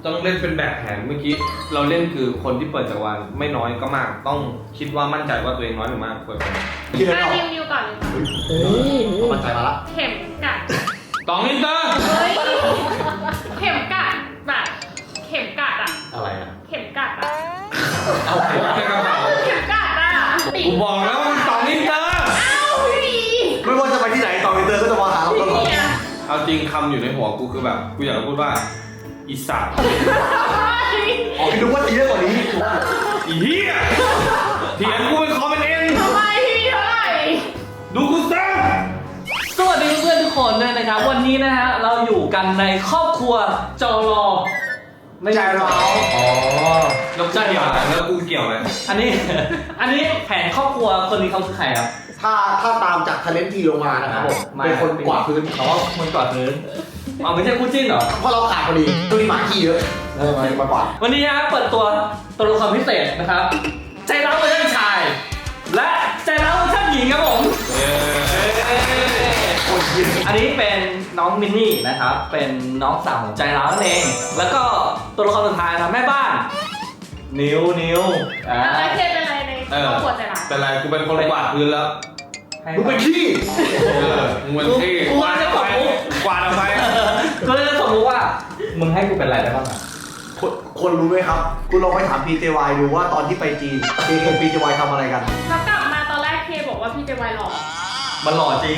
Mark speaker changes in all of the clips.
Speaker 1: ต้องเล่นเป็นแบบแผนเมื่อกี้เราเล่นคือคนที่เปิดจักรวาลไม่น้อยก็มากต้องคิดว่ามั่นใจว่าตัวเองน้อยหรือมากเปิดไป
Speaker 2: คิดอะไรออก
Speaker 3: นิวก่อนเลยค่ะ
Speaker 2: มั่นใจมาละ
Speaker 3: เข็มกัด
Speaker 1: ตองอินเตอร์
Speaker 3: เฮ้ยเข็มกัดแบบเข็มกัดอะ
Speaker 2: อะไรอ่ะ
Speaker 3: เข็มกัดอะ
Speaker 2: เอาไป
Speaker 1: ในกระเป๋า
Speaker 3: เข็มกัดอะ
Speaker 1: กูบอกแล้วว่าตองอินเตอร์
Speaker 3: อ้าวพี่
Speaker 2: ไม่ว่าจะไปที่ไหนต่ออินเตอร์ก็จะมาหาเราตลอด
Speaker 3: เนี่ย
Speaker 1: เอาจริงคำอยู่ในหัวกูคือแบบกูอยากจะพูดว่าอีสัตว์
Speaker 2: อ๋อคิดว่าตีได้กว่านี้
Speaker 1: อีเหี้ยเถียงกูเป็นคอเป็นเอ็น
Speaker 3: ทำไมพี่เท่าไหร่
Speaker 1: ดูกูซะ
Speaker 4: สวัสดีเพื่อนๆทุกคนด้วยนะครับวันนี้นะฮะเราอยู่กันในครอบครัวจอรอไม่ใช่เรา
Speaker 1: อ๋อแล้วเกี่ยวอะไรแล้วกูเกี่ยวอะไร
Speaker 4: อันนี้ อันนี้แผนครอบครัวคนนี้เขาคือใครครับ
Speaker 2: ถ้าตามจากทะเลนทีลงมานะครับผมเป็นคนกวาดพื้น
Speaker 4: อ๋อคนกวาดพื้นเอาไม่ใช่คู่จิ้นเหรอ
Speaker 2: เพราะเราขาดพอดีตัวนี้หมาขี้เยอะมากว่า
Speaker 4: วันนี้ฮะเปิดตัวละครพิเศษนะครับใจร้าวเวอร์ชันชาย และใจร้าวเวอร์ชันหญิงครับผม อันนี้เป็นน้องมินนี่นะครับเป็นน้องสาวของใจร้าวนั่นเองแล้วก็ตัวละครสุดท้ายนะแม่บ้านนิวอ่า
Speaker 3: อะไรเคเป็นอะไรในครอบครัวใจร้าย
Speaker 1: เป็นไรกูเป็นคนกวาดพื้นแล้ว
Speaker 2: มึงเป็นขี้
Speaker 1: มึงเป็นที่
Speaker 4: กูจะตบมุก
Speaker 1: กวาดออกไป
Speaker 4: ก็เลยจะสมมติว่ามึงให้กูเป็นอะไรได้บ้างอ่ะ
Speaker 2: คนรู้ไหมครับคุณลองไปถาม PJY ดูว่าตอนที่ไปจีน PJY ทำอะไรกัน
Speaker 3: แล้วกลับมาตอนแรกเคบอกว่าพี่เจวายหล่อ
Speaker 4: มันหล่อจริง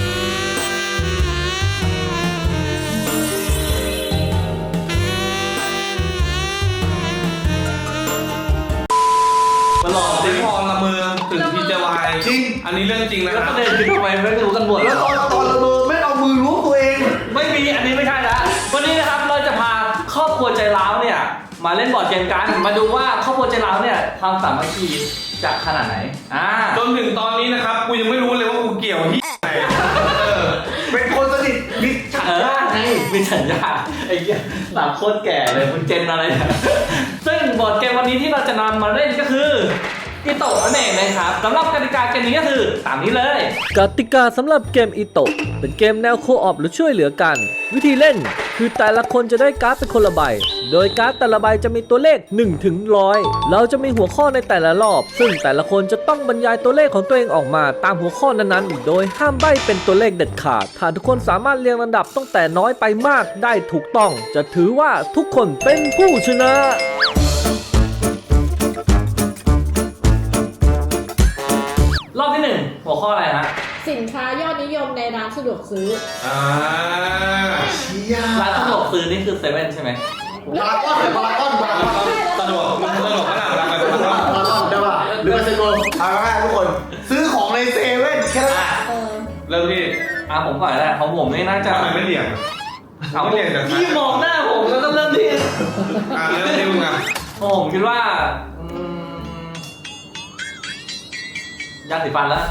Speaker 4: มันหล่อจ
Speaker 1: เจ๊
Speaker 4: ริง
Speaker 1: พรละเมืองถึงพีเจวาย
Speaker 2: จริง
Speaker 1: อันนี้เรื่องจริงนะ
Speaker 4: แล้ว
Speaker 1: ค
Speaker 4: ป
Speaker 1: รับ
Speaker 4: ระเด็นคือทำไมไม่รู้กันหมด
Speaker 2: แล้วตอนละเมอไม่เอามือล้วงตัวเอง
Speaker 4: ไม่มีอันนี้ไม่ใช่ละวันนี้นะครับเราจะพาครอบครัวใจร้าวเนี่ยมาเล่นบอร์ดเกมกันมาดูว่าครอบครัวใจร้าวเนี่ยความสามัคคีจะขนาดไหน
Speaker 1: จนถึงตอนนี้นะครับกูยังไม่รู้เลยว่ากูเกี่ยวที่ไหน
Speaker 2: เป็นคนสนิทมิตรฉันญาติไง
Speaker 4: มีสัญญาไอ้เหี้ยสามโคตรแก่เลยมึงเจนอะไรเนี่ยซึ่งบอร์ดเกมวันนี้ที่เราจะนำมาเล่นก็คืออิโตะนั่นเองนะครับสำหรับกติกาเกมนี้ก็คือตามนี้เลย
Speaker 5: กติกาสำหรับเกมอิโตะเป็นเกมแนวโคออปหรือช่วยเหลือกัน วิธีเล่นคือแต่ละคนจะได้การ์ดเป็นคนละใบ โดยการ์ดแต่ละใบจะมีตัวเลข1 ถึง 100เราจะมีหัวข้อในแต่ละรอบ ซึ่งแต่ละคนจะต้องบรรยายตัวเลขของตัวเองออกมาตามหัวข้อนั้นๆ โดยห้ามใบ้เป็นตัวเลขเด็ดขาดถ้าทุกคนสามารถเรียงลำดับตั้งแต่น้อยไปมากได้ถูกต้อง จะถือว่าทุกคนเป็นผู้ชนะ
Speaker 4: รอบที่ 1 หัวข้ออะไรฮะ
Speaker 6: สินค้ายอดนิยมในร้านสะดวกซื้อ
Speaker 2: เชี่ย
Speaker 4: ร้านสะดวกซื้อนี่คือเซเว่นใช่ไหม
Speaker 2: พารากอน
Speaker 1: สะดวกมันสะดวกขนาดนั้นเลย
Speaker 2: พารากอนได้ป่ะหรือมาเซ็นโกเอาง่ายๆทุกคน ซื้อของในเซเว่นแค่นั้น
Speaker 6: เออ
Speaker 1: เริ่มที่
Speaker 4: ผมก่อนแหละของผมนี่น่าจะ
Speaker 1: ทำไมไม่เลี่ยง
Speaker 4: เอา
Speaker 1: ไม่เลี่ยงจาก
Speaker 4: พี่มองหน้าผมแล้วก็เริ่มที่
Speaker 1: เริ่มที่มึงอ่ะ
Speaker 4: ผมคิดว่า ยาสีฟันแล้ว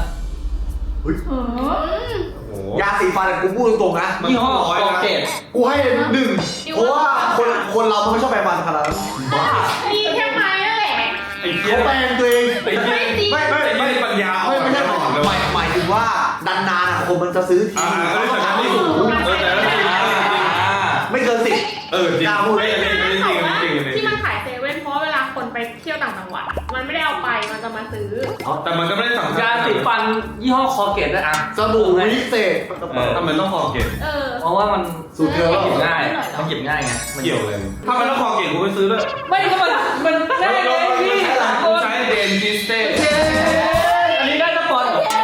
Speaker 2: ยาสีฟันกูพูดตรงๆนะ
Speaker 4: ยี่ห้อคอเกต
Speaker 2: กูให้1เพราะว่าคนเราไม่ชอบแปรงฟันขนาดนั้นบ้า
Speaker 3: มีแค่ไม้นั่นแหละ
Speaker 1: ไอ้เหี้ย
Speaker 2: เขาแปรงตัวเอง
Speaker 1: ไอ้เหี้ย ไม่ปัญญา
Speaker 2: ไม่ใช่หมายถึงว่านานๆคนมันจะซื้อที
Speaker 1: แต่นั้นไม่ถูกแต่นั้นไม่ถูก
Speaker 2: ไม่เกิน10
Speaker 1: จริง
Speaker 2: กล้าพูด
Speaker 1: ไม่จริง
Speaker 3: ที่มันขายเซเว่นเพราะเวลาคนไปเที่ยวต่างจังหวัดมันไม่ได้เอาไปมันจะมาซื้อ
Speaker 1: แต่มันก็ไม่ได้สำคัญ
Speaker 4: ยาสีฟันยี่ห้อคอเกตด้วยอ่ะ
Speaker 2: สบู่วิเศษ
Speaker 1: ทำไมต้องคอเกต
Speaker 3: เออ
Speaker 4: เพราะว่ามัน
Speaker 2: สูตรเดียว
Speaker 4: หยิบง่ายมันหยิบง่ายไงมัน
Speaker 1: เกี่ยวเลยถ้ามันต้องคอเกตกูไปซื้อด้วย
Speaker 4: ไม่ก็มันง่ายเลยพี่หลังคน
Speaker 1: ใช้เดนจิสเต้
Speaker 4: อันนี้ได้ตะกอน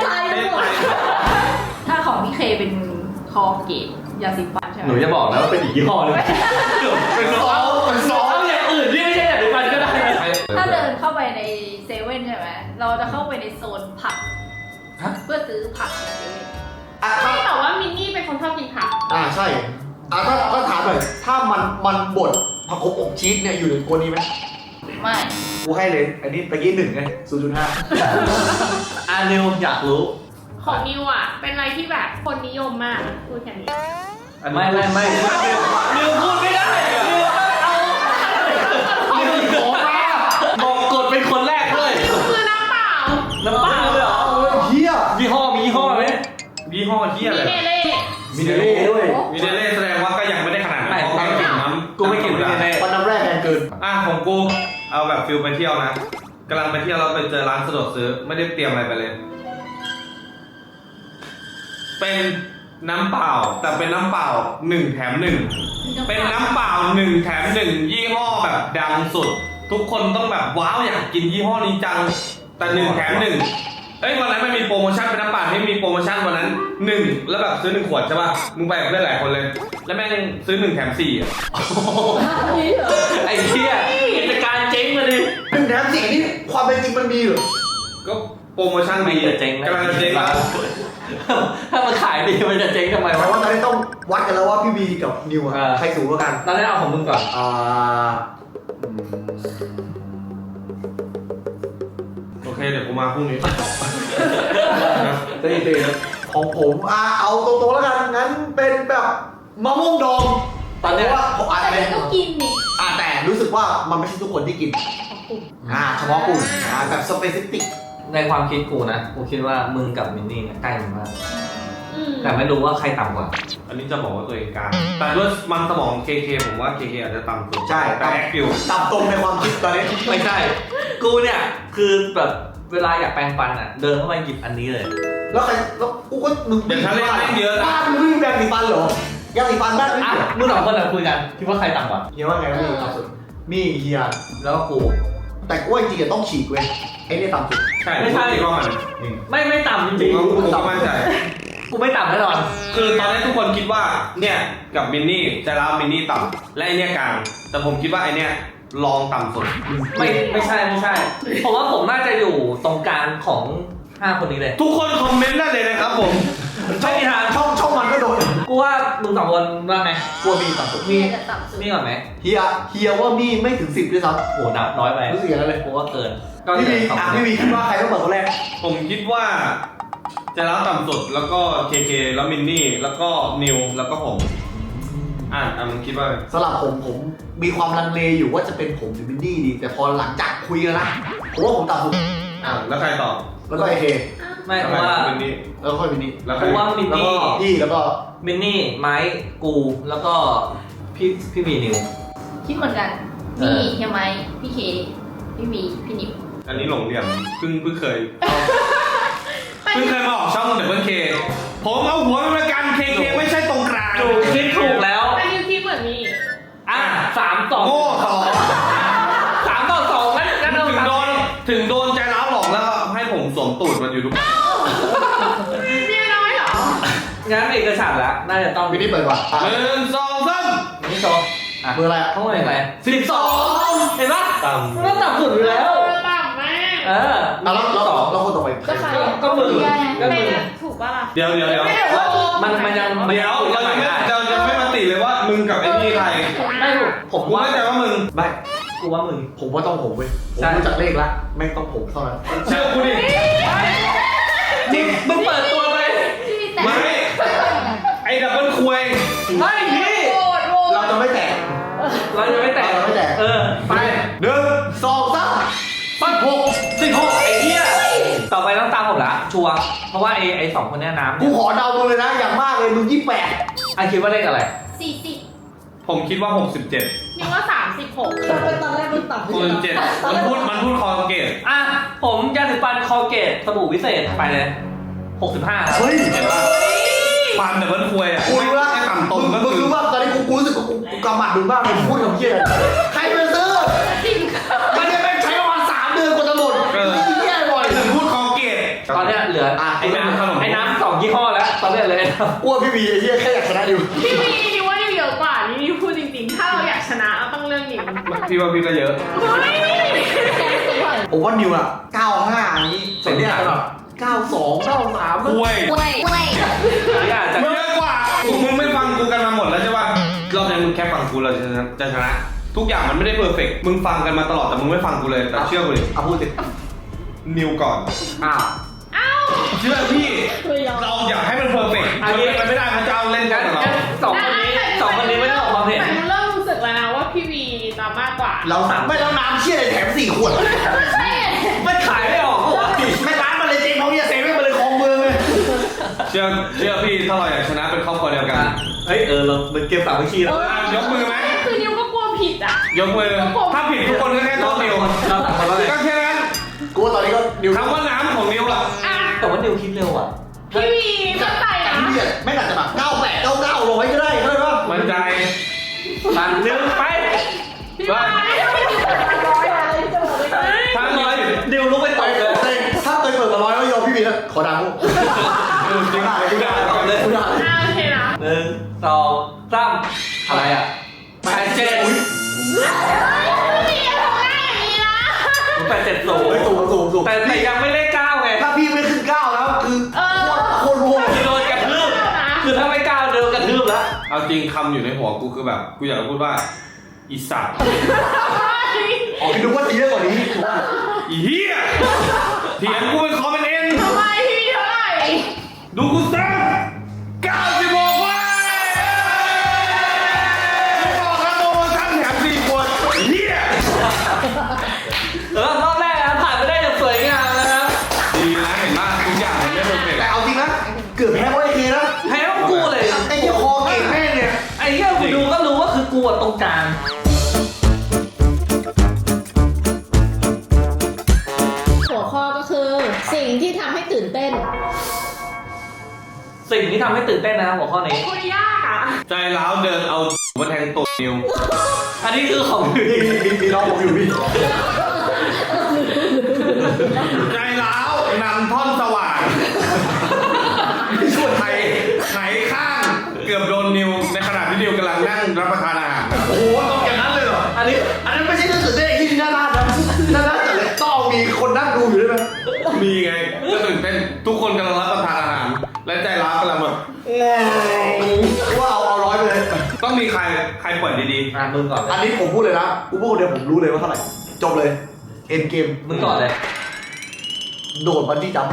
Speaker 7: ถ้าของพี่เคเป็นคอเกตยาสีฟันใช่ไหม
Speaker 4: หนูจะบอกนะว่าเป็นอีกยี่ห้อนึงเป็นซอเอาอย่างอื่นที่ไม่ใช่ยาสีฟันก็ได้
Speaker 7: ถ้าเดินเข้าไปในเซเว่นใช่ไหมเราจะเข้าไปในโซนผักเพื่อซื้อผักในเซเว่น
Speaker 3: ไม่แต่ว่ามินนี่เป็นคนชอบกินผัก
Speaker 2: ใช่ถ้าถามหน่อยถ้ามันบดผักขมอบชีสเนี่ยอยู่ในกวนนี้ไหม
Speaker 7: ไม่
Speaker 2: กูให้เลย อันนี้ตะกี้1ไง 0.5
Speaker 4: นิวอยากรู้
Speaker 3: ของนิวอ่ะเป็นอะไรที่แบบคนนิยมมากพูดแค่นี้
Speaker 4: ไม่นิวพูดไม่ได้นิวเอาบอกกดเป็นคนแรกด้วย
Speaker 3: นิวคือน้ำเปล่า
Speaker 4: น้ำเปล่าเลยเหรอ
Speaker 2: เฮีย
Speaker 4: ยี่ห้อมียี่ห้อไหม
Speaker 1: ยี่ห้อเที่ย
Speaker 3: มี
Speaker 1: อะไร
Speaker 3: เนเล่
Speaker 2: มีเดเล่ด้วย
Speaker 1: มีเดเล่แสดงว่าก็ยังไม่ได้ขนาดนั้น
Speaker 4: กูไม่กิน
Speaker 1: น้ำ
Speaker 4: กูไม่กินไม่กิน
Speaker 2: มันน้ำเกิน
Speaker 1: ของกูเอาแบบฟิลไปเที่ยวนะกำลังไปเที่ยวเราไปเจอร้านสะดวกซื้อไม่ได้เตรียมอะไรไปเลย เป็นน้ำเปล่าแต่เป็นน้ำเปล่า1 แถม 1เป็นน้ำเปล่า1 แถม 1ยี่ห้อแบบดังสุด ทุกคนต้องแบบว้าวอยากกินยี่ห้อนี้จังแต่1 แถม 1เอ้ยวันนั้นไม่มีโปรโมชั่นเป็นน้ำเปล่าไม่มีโปรโมชั่นวันนั้น1แล้วแบบซื้อ1 ขวดใช่ป่ะมึงไปกับเพื่อนหลายคนเลยแล้วแม่งซื้อ1 แถม 4อ่ะ
Speaker 4: ไอ้เหี้ยกิจการเจ๊งมาดิ
Speaker 2: 1 แถม 4นี่ความเป็นจริงมันมีเหรอ
Speaker 1: ก็โปรโมชั่น
Speaker 4: ไม่
Speaker 1: ดี
Speaker 4: จะเจ๊งนะ
Speaker 1: กำลังจะเจ๊งแล้ว
Speaker 4: ถ้ามันขายดีมันจะเจ๊งทำไม
Speaker 2: แปล
Speaker 4: วะ
Speaker 2: ว่าตอนนี้ต้องวัดกันแล้วว่าพี่บีกับนิวอะใครสูงกว่ากัน
Speaker 4: ตอนนี้เอาของมึงก่อน
Speaker 1: โอเคเดี๋ยวกูมาพรุ่งนี้
Speaker 2: ตีของผมเอาตรงๆแล้วกันงั้นเป็นแบบมะม่วงดอง
Speaker 4: ตอนเนี้ย
Speaker 2: เพราะว่าผมอาจจะ
Speaker 7: แต่
Speaker 2: เป็น
Speaker 7: ก็กินนี่
Speaker 2: แต่รู้สึกว่ามันไม่ใช่ทุกคนที่กินเฉพาะกลุ่มแบบสเปซิฟิก
Speaker 4: ในความคิดกูนะกูคิดว่ามึงกับมินนี่เนี่ยใกล้กันมาก
Speaker 3: อืม
Speaker 4: แต่ไม่รู้ว่าใครต่ำกว่า
Speaker 1: อันนี้จะบอกว่าตัวเองกลางแต่ด้วยมันสมอง KK ผมว่า KK อาจจะต่ำสุด
Speaker 2: ใช่
Speaker 1: แต่แอคฟิว
Speaker 2: ต่ำตรงในความคิดตอนนี้
Speaker 4: ไม่ใช่ กูเนี่ยคือแบบเวลาอยากแปรงฟันอ่ะ เดินเข้ามาหยิบอันนี้เลย
Speaker 2: แล้วใครแล้วกูก็มึง
Speaker 1: เดี๋ยวถ้าเล่นแม่งเยอะนะ
Speaker 2: บ้านมึงไม่มีแบงค์สีฟันเหรอยาสีฟันบ้าน
Speaker 4: อ่ะมึงสองคนคุยกันคิดว่าใครต่ำกว่า
Speaker 2: เฮียว่าไงพี่ต่ำสุดมีเฮีย
Speaker 4: แล้วก็กู
Speaker 2: แต่กูว่าจริงๆต้องฉีกเว้ยไอ้นี่ต่ำสุด
Speaker 1: ใช่
Speaker 4: ไม่ใช่
Speaker 1: คิดว่ามัน
Speaker 4: ไม่ต่ำจริง
Speaker 1: กูก็มั่นใจ
Speaker 4: ๆกูไม่ต่ำแน่นอน
Speaker 1: คือตอนนี้ทุกคนคิดว่าเนี่ยกับมินนี่จะรับมินนี่ต่ำและไอเนี่ยกลางแต่ผมคิดว่าไอเนี่ยลองต่ำสุด
Speaker 4: ไม่ใช่ผมว่าผมน่าจะอยู่ตรงกลางของ5คนนี้เลย
Speaker 1: ทุกคนคอมเมนต์ได้เลยนะครับผม
Speaker 4: ไม่มีทาง
Speaker 2: ช่องมันก็โดน
Speaker 4: กูว่ามึงสองคนว่าไง
Speaker 2: กลัวมีต่ำสุด
Speaker 7: เมียจะต่ำสุด
Speaker 4: มีก่อนไหม
Speaker 2: เฮียว่ามีไม่ถึง10ด้วยซ้
Speaker 4: โหนับน้อยไป
Speaker 2: ำรู้สึกอย่างนั้นเลย
Speaker 4: กูว่าเกิน
Speaker 2: พี่วี
Speaker 4: สองคน
Speaker 2: พี่วีคิดว่าใครต้องเปิดคนแรก
Speaker 1: ผมคิดว่าจะรับต่ำสุดแล้วก็ KK แล้วมินนี่แล้วก็นิวแล้วก็ผมมึงคิดว่า
Speaker 2: สำหรับผมมีความลังเลอยู่ว่าจะเป็นผมหรือมินดี้ดี แต่พอหลังจากคุยกันนะผมว่าผมต่ำสุด
Speaker 1: แล้วใครตอบ
Speaker 2: แล้วก็ไอเค
Speaker 4: ไม่กูว่า
Speaker 1: มินนี่
Speaker 2: แล้วก็ค่อยมินนี่
Speaker 1: แล้วใคร
Speaker 4: กูว่ามิน
Speaker 2: แล้ว
Speaker 4: นี่
Speaker 2: ก็พี่แล้วก็
Speaker 4: มินนี่ไม้กูแล้วก็พี่วีนิว
Speaker 7: คิดเหมือนกัน
Speaker 4: เอ
Speaker 7: มี
Speaker 4: อ
Speaker 7: เฮียไม้พี่เคพี่วีพี่นิว
Speaker 1: อันนี้หลงเหลี่ยมเพิ่งเคยมาออกช่องเดบเบิลเคผมเอาหัวเป็นประกัน KK ไม่ใช่ตรงกลาง
Speaker 4: ถูกคิดถูกแล้ว
Speaker 3: แต่นิวคิดเหมือนมี
Speaker 4: 3-2
Speaker 1: โง่ต่อ
Speaker 4: 3-2งั้นเอา
Speaker 1: ถึงโดนใจร้าวหลอกแล้วให้ผมสวมตูดมันอยู่ทุก
Speaker 3: เมียน้อยเหรอ
Speaker 4: งั้นเอกฉันท์ละน่าจะต้อง
Speaker 2: มินนี่เปิดก่อน
Speaker 1: 1 2 3
Speaker 4: นี่โชว์อ่ะ
Speaker 2: เบอร์อะไร
Speaker 4: เท่าไหร่12เห็นปะมันก็ต่ำสุดอยู่แล้ว
Speaker 3: ต่ำแม่
Speaker 2: แล้วคนต่อไป
Speaker 6: ก็ใคร
Speaker 4: ก็มึงก็
Speaker 3: เป็
Speaker 4: มึ
Speaker 3: น
Speaker 4: ง
Speaker 3: ถูกป่ะล่ะ
Speaker 1: เดี๋ยว
Speaker 4: มันยัง
Speaker 1: เดี๋ยวเรายังไม่มาติเลยว่ามึงกับไอ้นี่ใคร
Speaker 4: ไม่ถูกผม
Speaker 1: กู
Speaker 4: ว่า
Speaker 1: ไม่ใจว่ามึง
Speaker 2: ไม่
Speaker 4: กูว่ามึง
Speaker 2: ผมว่าต้องผมเว้ยผม
Speaker 4: ใช่
Speaker 2: รู้จักเลขละแม่งต้องผมเท่านั้น
Speaker 1: เชื่อกูดิ
Speaker 4: จริงมึงเปิดตัวไป
Speaker 7: พี่แต่
Speaker 1: ไม่ไอ้ดับเบิลคุย
Speaker 4: ไม่พี่
Speaker 3: โหวตโหวต
Speaker 2: เราจะไม่แตก
Speaker 4: เราจะไม่แตะ
Speaker 2: เราไม่แตะ
Speaker 4: ไป
Speaker 2: 1 2
Speaker 4: 16ไอ้เหี้ยต่อไปต้องตามผมละชัวร์เพราะว่าไอ้2คนเนี้ยน้ำ
Speaker 2: 3กูขอเดามึงเลยนะอย่างมากเลยมึง28
Speaker 4: ไอคิดว่าเลขอะไร
Speaker 7: 40
Speaker 1: ผมคิดว่า 67
Speaker 3: นิวว่า36
Speaker 6: ตอนแรกมันต่ำ
Speaker 1: 67มันพูดคอเกต
Speaker 4: อ่ะผมยาสีฟันคอเกตสบู่วิเศษไปเลย65ครับ
Speaker 2: เฮ้ย
Speaker 1: เห็นป่ะความดับเบิลคุยอ่ะ
Speaker 2: กูรู้ละ
Speaker 1: ไอ้ต่ำตรงก็
Speaker 2: มึง
Speaker 1: คือ
Speaker 2: รู้ว่าตอนนี้กูรู้สึกกูกำหมัดมึงบ้างเลยพูดคำเชี่ยอะไรใครมาซื้อ
Speaker 3: จริง
Speaker 2: มันจะเป็นใช้ประมาณ3 เดือนกว่าจะหมดนี่แย่บ่อย
Speaker 1: พูดคอเกต
Speaker 4: ตอนเนี้ยเหลือไอ้
Speaker 1: ขนม
Speaker 4: น้ำ2ยี่ห้อแล้วตอนเนี้ยเลย
Speaker 2: อ้วนพี่บีไอ้เหี้ยแค่อยากชนะอยู่
Speaker 3: พี่วีนิวว่านิวเยอะกว่านี่นิวพูดจริงๆ ถ้าเราอยากชนะเราต้องเลือกนิว
Speaker 1: พี่ว่าพี่ก็เยอะ
Speaker 3: เฮ้ย
Speaker 2: ผมว่านิวอะ95อันนี้แต่เนี่ยแบบ92 93
Speaker 1: คุย
Speaker 4: นี่อาจจะ
Speaker 1: เยอะกว่ามึงไม่ฟังกูกันมาหมดแล้วใช่ป่ะรอบนี้มึงแค่ฟังกูเราจะชนะ ทุกอย่างมันไม่ได้เพอร์เฟกต์มึงฟังกันมาตลอดแต่มึงไม่ฟังกูเลยแต่เชื่อกูดิ
Speaker 2: เอาพูดสิ
Speaker 1: นิวก่อน
Speaker 2: อ้าว
Speaker 1: เชื่อพี่
Speaker 6: ไม่ยอม
Speaker 1: เราอยากให้มันเพอร์เฟกต์มันไม่ได้มันจะเอาเล่นกันกับเรา
Speaker 4: สองคนนี้ไม่ต้องออกความเห็น
Speaker 3: แต่นิวเริ่มรู้สึกแล้วนะว่าพี่วีตามมากกว่า
Speaker 2: เราไม่แล้วน้ำเชี่ยอะไรแถม4 ขวด
Speaker 4: ไม่ขายไม่ออกเหรอ
Speaker 2: ไม่ร้านมันเลยเจ๊งเขาเนี่ยเซเว่นมันเลยคลองเมืองเลย
Speaker 1: เชื่อพี่ถ้าเราอยากชนะเป็นครอบครัวเดียวกัน
Speaker 4: เฮ้ยเราเป็นเกมสามัคคีแล้ว
Speaker 1: ยกมือไหม
Speaker 3: คือนิวก็กลัวผิดอ่ะ
Speaker 1: ยกมือถ้าผิดทุกคนก็แค่โทษนิว
Speaker 4: เราต่างคนแล้วไง
Speaker 1: ก็แค่นั้น
Speaker 2: กูว่าตอนนี้ก็นิว
Speaker 1: คำว่าน้ำของนิวอะ
Speaker 3: อ่ะ
Speaker 4: แต่ว่านิวคิดเร็วอ่ะ
Speaker 3: พี่วีมั่นใจ
Speaker 2: แต่
Speaker 3: นะ
Speaker 2: พี่ไม่อาจจะแบบ98 99 100ก็ได้เข้าใจปะ
Speaker 1: มั่นใจ
Speaker 4: ตันหนึ่งไป
Speaker 3: พี่วาย
Speaker 1: ถ้าร้อย
Speaker 4: นิวลุกไปต่อยเลย
Speaker 2: ถ้าเคยเปิดมา100ก็ยอมพี่บีนะขอดังกูด่าเลยกูด่าเลยกูด่าเลย
Speaker 3: อ่ะโอเคนะ
Speaker 4: หนึ่งสองสามอะไรอ่ะ87
Speaker 2: อุ้ย
Speaker 3: พี่อย่าทำได้อย่างนี้นะ
Speaker 4: 870
Speaker 2: สูง
Speaker 4: แต่ยังไม่เลข9ไง
Speaker 2: ถ้าพี่ไม่ขึ้น9แล้วคือโคตรโหด
Speaker 4: คือโดนกระทืบคือถ้าไม่9โดนกระทืบแล้ว
Speaker 1: เอาจริงคำอยู่ในหัวกูคือแบบกูอยากจะพูดว่าอีสัตว์
Speaker 2: อ๋อพี่ดูว่าตีได้กว่านี้
Speaker 1: อีเหี้ยเถียงกูเป็นคอมเป็นเอ็น
Speaker 3: ทำไมพี่วีเท่าไหร่
Speaker 1: ดูกูซะ96เว้ยไม่บอกแล้วโปรโมชั่นแถม4 ขวดเหี้ย
Speaker 4: รอบแรกนะผ่านไปได้อย่างสวยงามนะครับ
Speaker 1: ดีนะเห็นมากทุกอย่างมันไม่เพอร์เฟกต์
Speaker 2: แต่เอาจริงนะเกือบแพ้เพราะไอ้เคนะ
Speaker 4: แพ้ต้องกูเลย
Speaker 2: ไอ้เจ้าคอเก่งแม่เนี่ย
Speaker 4: ไอ้เหี้ยกูดูก็รู้ว่าคือกูอะตรงกลาง
Speaker 6: หัวข้อก็คือสิ่งที่ทำให้ตื่นเต้น
Speaker 4: สิ่งที่ทำให้ตื่นเต้นนะหัวข้อนี้
Speaker 3: คุยยากอ่ะ
Speaker 1: ใจร้าวเดินเอามาแทงตัวนิว
Speaker 4: อันนี้คือของ
Speaker 2: มีน้องผมอยู่พี่
Speaker 1: ใจร้าวนำท่อนสว่างที่ช่วยไทยไขข้างเกือบโดนนิวในขณะที่นิวกำลังนั่งรับประทานอาหาร
Speaker 2: โอ้โหต้องอย่างนั้นเลยเหรอ
Speaker 4: อันนี้
Speaker 2: อันนั้นไม่ใช่เรื่องตื่นเต้นที่น่ารักนะน่ารักแต่เลยต้องมีคนนั่งดูอยู่ด้วยไหม
Speaker 1: มีไงก็ตื่นเต้นทุกคนกำลังรับประทานอาหาร และใจร้าวกำลังแบบ
Speaker 2: ว่าเอา100ไปเลย
Speaker 1: ต้องมีใครปล่อยดี
Speaker 4: มึงก่อนเล
Speaker 2: อัน
Speaker 4: ย
Speaker 2: นี้ผมพูดเลยนะกูพูดคนเดียวผมรู้เลยว่าเท่าไหร่จบเลยเอ็นเกม
Speaker 4: มึงก่อนเลย
Speaker 2: โดดบันจี้จัมป์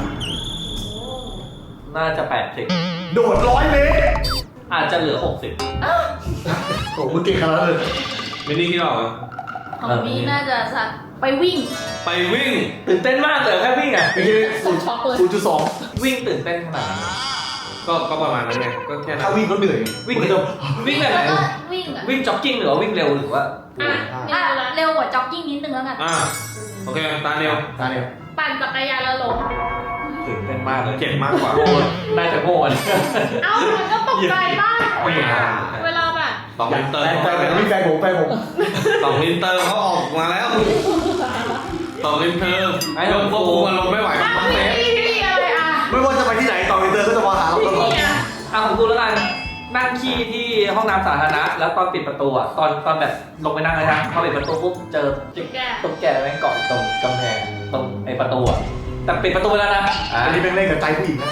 Speaker 4: น่าจะ80
Speaker 2: โดด100 เมตร
Speaker 4: อาจจะเหลือ 60
Speaker 2: โอ้มึงเก่งขนาดนั้นเลย
Speaker 1: ๆไม่นี่คิดออกไหม
Speaker 7: ของนี้น่าจะสักไปวิ่ง
Speaker 1: ไปวิ่ง
Speaker 4: ตื่นเต้นมากเลยแค่วิ่งอ่ะ
Speaker 2: ไม่ใช่
Speaker 6: ช็อกเลย
Speaker 2: 0.2
Speaker 4: วิ่งตื่นเต้นขนาดนั้น
Speaker 1: ก็ประมาณนั้นไงก็แค่นั้
Speaker 2: ถ้าน วิ่งก็เหนื่อย
Speaker 4: วิ่ง
Speaker 2: มัน
Speaker 4: เร็
Speaker 2: จะ
Speaker 4: ววิ่งแบบไหน
Speaker 7: แล้วก็วิ่งอ่ะ
Speaker 4: วิ่งจ็อกกิ้งหรือว่าวิ่งเร็วหรือว่า
Speaker 3: อ่ะ
Speaker 7: อ่ะ
Speaker 3: นี่ละ
Speaker 7: เร็วกว่าจ็อกกิ้งนิดนึงแล้วกัน
Speaker 1: อ่าโอเคตาเดียว
Speaker 2: ตาเนี่ย
Speaker 3: ปั่นจักรยานแล้วล้ม
Speaker 4: ตื่นเต้นมากเลย
Speaker 1: เจ็บมากกว่า
Speaker 4: โง่น่าจะโง่เลย
Speaker 3: เอ้ามันก็ตกใจบ้างเวลาแบบ
Speaker 1: 2 ลิตร
Speaker 2: แต่มีแฟนผม
Speaker 1: 2 ลิตรเขาออกมาแล้ว2 ลิตรเริ่มควบคุมอารมณ์ไม่ไหว
Speaker 3: อ้าว
Speaker 1: ต้องเซฟ
Speaker 3: พี่อะไรอ่ะ
Speaker 2: ไม่ว่าจะไปที่ไหนต่ออินเตอร์ก็จะมาหาเราตลอด
Speaker 3: พี่อ่ะ
Speaker 4: อ่ะของกูแล้วกันนั่งขี้ที่ห้องน้ำสาธารณะแล้วตอนปิดประตูอ่ะตอนแบบลงไปนั่งเลยนะพอปิดประตูปุ๊บเจอ
Speaker 3: แก
Speaker 4: ตุ๊กแกแม่งเกาะตรงกำแพงตรงไอ้ประตูอ่ะแต่ปิดประตูไปแล้วนะ
Speaker 2: อันนี้เป็นเล่นกับใจผู้หญิงนะ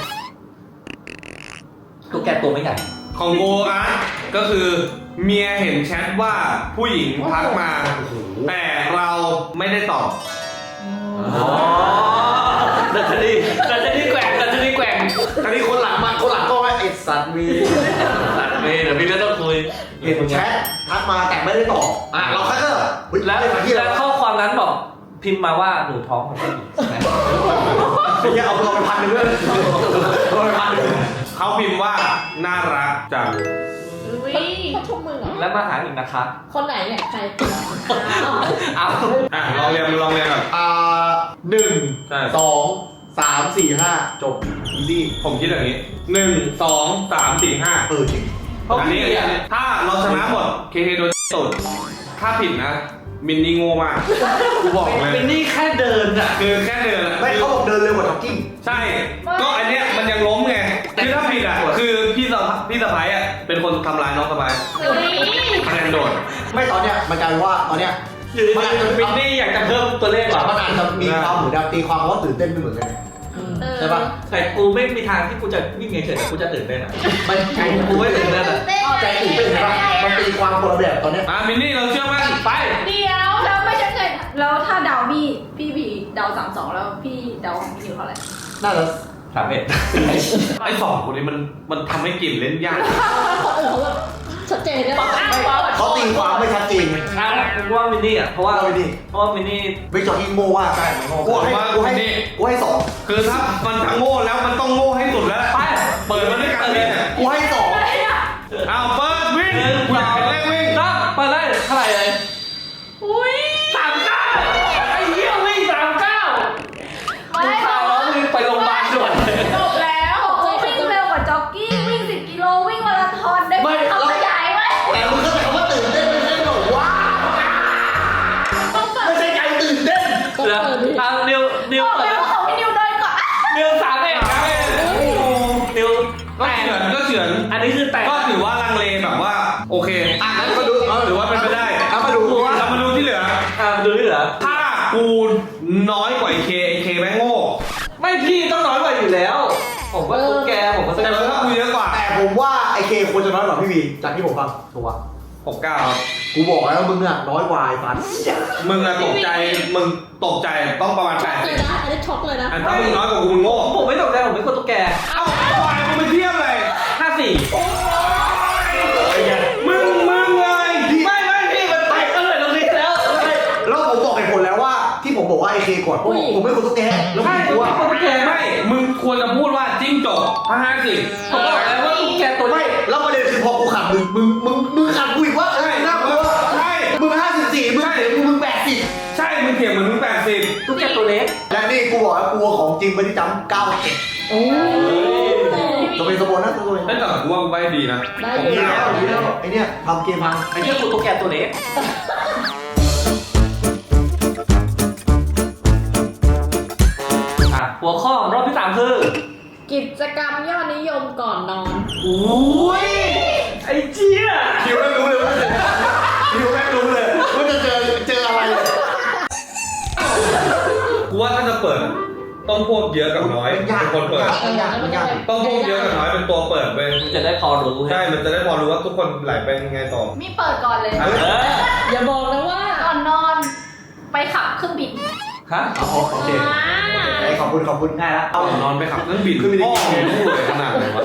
Speaker 4: ตุ๊กแกตัวไม่ใหญ่
Speaker 1: ของโกอาร์ตก็คือเมียเห็นแชทว่าผู้หญิงทักมา แต่เราไม่ได้ตอบ
Speaker 4: อ๋อดัชนีแกว่งดัชนีแกว่ง
Speaker 2: อันนี้คนหลังก็ว่าไอ้สัตว์มี
Speaker 4: สัตว์เดี๋ยวพี่ก็ต้องคุย
Speaker 2: เห็นแชททักมาแต่ไม่ได้ตอบเราแค่ก็เฮ้ย
Speaker 4: แล้ว
Speaker 2: มาที่
Speaker 4: แล้
Speaker 2: แล้ว ว
Speaker 4: ข้อความนั้นบอกพิมพ์มาว่าหนูท้องของผู้หญิงใช่ไหม
Speaker 2: ไม่ใช่เอาเราไป1,000ด้วยเราไป1,000
Speaker 1: เขาพิมพ์ว่าน่ารักจัง
Speaker 3: อุ้ย
Speaker 6: เขาชมมึงเหรอ
Speaker 4: แล้วมาหาอีกนะคะ
Speaker 6: คนไหนเนี่ยใคร
Speaker 4: เอา
Speaker 1: อ่ะลองเรียนแบบ
Speaker 2: 1
Speaker 1: ใช่
Speaker 2: 2 3 4 5จบอีซี่
Speaker 1: ผมคิดอย่างนี้ 1 2 3 4 5
Speaker 2: จริง
Speaker 1: อันนี้ถ้าเราชนะหมดเคโดนตุดถ้าผิดนะ มินนี่โง่มากกูบอกเลย
Speaker 4: เป็นนี่แค่เดินอ่ะ
Speaker 1: คือแค่เดินอะ
Speaker 2: ไม่เขาบอกเดินเร็วกว่าจ็อกกิ้ง
Speaker 1: ใช่ ก็อันเนี้ยมันยังล้มไงคือถ้าผิดอ่ะคือพี่สะพ้ายอ่ะเป็นคนทำร้ายน้องสะพ้าย
Speaker 3: อุ้ย
Speaker 1: คะแนนโดด
Speaker 2: ไม่ตอนเนี้ยมันกลายเป็นว่าตอนเนี้ย
Speaker 4: อยู่ดีๆเป็นนี่อยากจะเพิ่มตัวเลขเหรอ
Speaker 2: มันอาจจะมีความเหมือนแบบตีความว่าตื่นเต้นไม่เหมือนกัน ใช่ปะ
Speaker 4: แต่กูไม่มีทางที่กูจะวิ่งเฉยๆแต่กูจะตื่นเต้นอ่ะ
Speaker 2: มันใจ
Speaker 4: กูไม่ตื่นเต้นอ่ะ
Speaker 2: ใจตื่นเต้นใช่ปะมันตีความคนละแบบตอนเนี้ย
Speaker 1: มินนี่เราเชื่อมั่น
Speaker 4: ไป
Speaker 7: เดี๋ยวแล้วไม่ใช่ไงแล้วถ้าเดาพี่บีเดา32แล้วพี่เดาของพี่นิวเท่าไหร่
Speaker 2: น่าจะ
Speaker 4: 31
Speaker 1: ไอ้สองคนนี้มันทำให้กลิ่นเล่นยาก
Speaker 6: คนอื่นเขาแบบชัดเจนเนี่ย
Speaker 2: เขาตีความไม่ชัดเจน
Speaker 4: กูว่ามินนี่อ่ะเพราะว่า
Speaker 2: เอาไปดิ
Speaker 4: มินนี่
Speaker 2: วิกจอร์กิ้งโง่ว่าใช่กูให้สอง
Speaker 1: คือถ้ามันทั้งโง่แล้วมันต้องโง่ให้สุดแล้ว
Speaker 4: ไป
Speaker 1: เปิดมาด้วยกันเลย
Speaker 2: กูให้สอง
Speaker 1: เอาเปิดวิ่งกูอยากเห็นเลขวิ่ง
Speaker 4: ครับไปเลยเท่าไหร่เลย
Speaker 6: พี่
Speaker 4: นิว
Speaker 7: บอกเลยว่าของพี่นิวน้อยกว่า
Speaker 4: นิว3เองนะนิว
Speaker 1: ก็เฉือนก็เฉือน
Speaker 4: อันนี้คือแต่
Speaker 1: ก็ถือว่าลังเลแบบว่าโอเค
Speaker 2: อ่ะงั้นมาดู
Speaker 1: ถือว่าเป็นไปได้
Speaker 2: เอามาดู
Speaker 1: เรามาดูที่เหลือ
Speaker 4: ดูนี่เหรอ
Speaker 1: ถ้ากูน้อยกว่าไอเคแม่งโง่
Speaker 4: ไม่พี่ต้องน้อยกว่าอยู่แล้ว ผมว่าตุ๊กแกผมก็แสด
Speaker 1: แต่
Speaker 4: ง
Speaker 1: ถ้า
Speaker 4: ว่า
Speaker 1: กูเยอะกว่า
Speaker 2: แต่ผมว่าไอเคควรจะน้อยกว่าพี่วีจากที่ผมฟังถูกปะ
Speaker 1: 69ครับ
Speaker 2: กูบอกแล้วมึงอะน้อยกว่าไอ้ฟัน
Speaker 1: มึงอะตกใจมึงตกใจต้องประมาณ
Speaker 6: ช็อกเลยนะ อันนี้ช็อกเลยนะ
Speaker 1: 80อันถ้ามึงน้อยกว่ากูมึงโง่
Speaker 4: ผมไม่ตกใจผมไม่กลัวตุ๊กแก
Speaker 1: เอ้าปล่อยมึงไปเทียบเลย
Speaker 4: 54
Speaker 1: มึงเลย
Speaker 4: ไม่พี่มันไปก็เลยตรงนี้แล้ว
Speaker 2: แล้วผมบอกเหตุผลแล้วว่าที่ผมบอกว่าไอเคก่อนเพราะผมไม่ควรตุ๊กแกแล้ว
Speaker 4: ใช่
Speaker 2: ผม
Speaker 4: ผม
Speaker 2: กลัว
Speaker 4: ไม่กลัวตุ๊กแก
Speaker 1: ไม่มึงควรจะพูดว่าจิ้งจกถ้า50
Speaker 4: ผมบอกแล้วว่าตุ๊กแกตัว
Speaker 2: ไม่
Speaker 4: นี้
Speaker 2: แล้วประเด็นคือพอกูขัดมึงขัดกูอีกว่า
Speaker 1: ใช่
Speaker 2: น่ากลัว
Speaker 1: ใช่
Speaker 2: มึง54มึงเสียมึง80
Speaker 1: ใช่มึงเถียงมึง80
Speaker 4: ตุ๊กแกตัวเล็ก
Speaker 2: และนี่กูบอกแล้วกูของจริงไม่ได้จำ97
Speaker 6: โอ้ย
Speaker 2: จะเป็นสมบูรณ์นะสมบูรณ์
Speaker 1: แต่กูว่าใบดีนะ
Speaker 6: ได้
Speaker 1: ผม
Speaker 6: อยู่
Speaker 2: ดีแล้วไอเนี่ยทำเกมพัง
Speaker 4: ไอ้เจ้าตุ๊กแกตัวเล็กหัวข้อรอบที่3คือ
Speaker 6: กิจกรรมยอดนิยมก่อนนอน
Speaker 4: อุ้ยไอ้เจี๊ย
Speaker 2: คิวแม่งรู้เลยว่าจะเจออะไร
Speaker 1: กูว่าถ้าจะเปิดต้องพวกเยอะกับน้อย
Speaker 2: ยาก
Speaker 1: เป็นคนเปิด
Speaker 2: ยาก
Speaker 1: ต้องพวกเยอะกับน้อยเป็นตัวเปิดเว้ย
Speaker 4: จะได้พอรู้
Speaker 1: ใช่ มันจะได้พอรู้ว่าทุกคนไหลไปยังไงต่อ
Speaker 7: มีเปิดก่อนเลย
Speaker 1: เออ
Speaker 6: อย่าบอกนะว่า
Speaker 7: ก่อนนอนไปขับเครื่องบิน
Speaker 4: ฮะ
Speaker 2: โอเคขอบคุณง่ายแล้ว
Speaker 1: เอานอนไปขับเครื่องบินพ่อไม่รู้เลยขนาดไหนวะ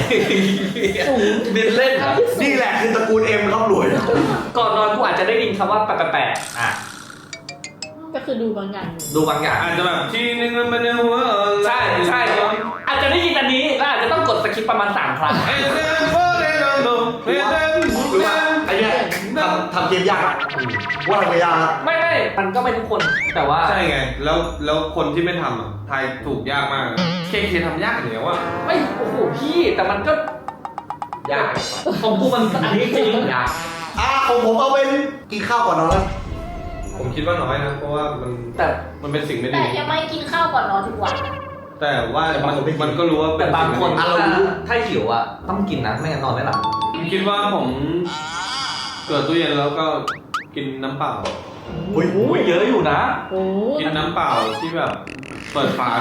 Speaker 4: บินเล่นเหรอ
Speaker 2: นี่แหละคือตระกูลเอ็มครับรวย
Speaker 4: ก่อนนอนกูอาจจะได้ยินคำว่าแปะๆ
Speaker 6: ก็คือดูบางอย่าง
Speaker 4: ดูบางอย่าง
Speaker 1: อาจจะแบบที่นึงมันเป็นหัว
Speaker 4: ใช่อาจจะได้ยินอันนี้แล้วอาจจะต้องกดสคิปประมาณ3 ครั้ง
Speaker 1: เอเดนโฟเดนโดเอเดน
Speaker 2: หรือว่าไอเนี่ยทำเกมยากว่าทำเกมยาก
Speaker 4: ไม่มันก็ไม่ทุกคนแต่ว่า
Speaker 1: ใช่ไง แล้วคนที่ไม่ทำอ่ะทายถูกยากมากเคทำยากอย่างเงี้ยว่ะ
Speaker 4: ไม่โอ้โหพี่แต่มันก็ยากของกูมันอันนี้จริงยาก
Speaker 2: ผมเอาเป็นกินข้าวก่อนนอนแล้ว
Speaker 1: ผมคิดว่าน้อยนะ เพราะว่ามันเป็นสิ่งไม่
Speaker 7: แต่
Speaker 1: ดี
Speaker 7: ยังไม่กินข้าวก่อนนอนทุกวัน
Speaker 1: แต่ว่ามันก็รู้ว่าเป็
Speaker 4: แต่
Speaker 1: น
Speaker 4: บางคน
Speaker 1: สิ่ไม่ดี
Speaker 4: ถ้าหิวอ่ะต้องกินนะไม่งั้นนอนไม่หลับ
Speaker 1: ผมคิดว่าผมเกิดตู้เย็นแล้วก็กินน้ำเปล่า
Speaker 2: โอ้ย
Speaker 4: โอ้ยเยอะอยู่นะ
Speaker 6: โอ้
Speaker 1: กินน้ำเปล่าที่แบบเปิดฝา